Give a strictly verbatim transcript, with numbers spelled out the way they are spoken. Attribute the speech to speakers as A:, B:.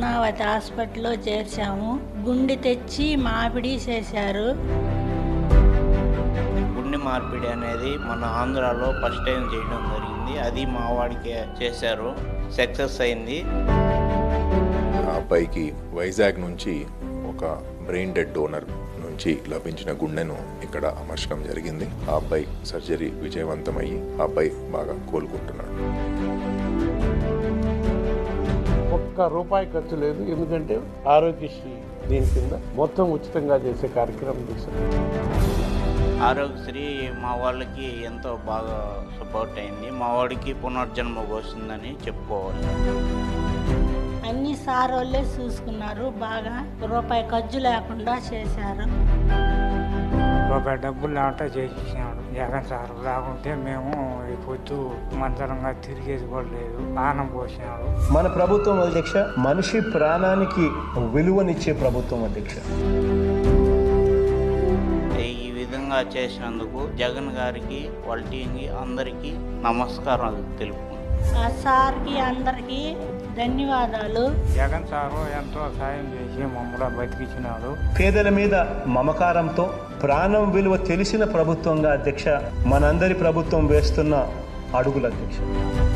A: పద్మావతి హాస్పిటల్లో చేర్చాము. గుండె తెచ్చి మార్పిడి చేశారు.
B: గుండె మార్పిడి అనేది మన ఆంధ్రాలో ఫస్ట్ టైం చేయడం జరిగింది. అది మా వాడికి చేశారు, సక్సెస్ అయింది.
C: ఆ అబ్బాయికి వైజాగ్ నుంచి ఒక బ్రెయిన్ డెడ్ డోనర్ నుంచి లభించిన గుండెను ఇక్కడ అమర్చడం జరిగింది. ఆ అబ్బాయి సర్జరీ విజయవంతమయ్యి ఆ అబ్బాయి బాగా కోలుకుంటున్నాడు.
D: ఒక్క రూపాయి ఖర్చు లేదు, ఎందుకంటే ఆరోగ్యశ్రీ దీని కింద మొత్తం ఉచితంగా చేసే కార్యక్రమం చేశారు.
B: ఆరోగ్యశ్రీ మా వాళ్ళకి ఎంతో బాగా సపోర్ట్ అయింది. మా వాడికి పునర్జన్మ వస్తుందని చెప్పుకోవాలి.
A: అన్ని సార్ వాళ్ళే చూసుకున్నారు. బాగా రూపాయి ఖర్చు లేకుండా చేశారు.
E: రూపాయి డబ్బులు లేకుండా చేసేసినాడు జగన్ సార్. లేకుంటే మేము ఈ పొద్దు మంతరంగా తిరిగేది కూడా లేదు. ప్రాణం పోసినాడు.
F: మన ప్రభుత్వం అధ్యక్ష మనిషి ప్రాణానికి విలువనిచ్చే ప్రభుత్వం అధ్యక్ష.
B: ఈ విధంగా చేసినందుకు జగన్ గారికి, వాళ్ళ టీంకి అందరికీ నమస్కారాలు తెలుపుకుంటున్నాను.
A: ఆ సార్కి అందరికీ ధన్యవాదాలు.
E: జగన్ సారు ఎంతో సాయం చేసి మమ్మల్ని బతికించినాడు.
F: పేదల మీద మమకారంతో ప్రాణం విలువ తెలిసిన ప్రభుత్వంగా అధ్యక్ష మనందరి ప్రభుత్వం వేస్తున్న అడుగుల అధ్యక్ష.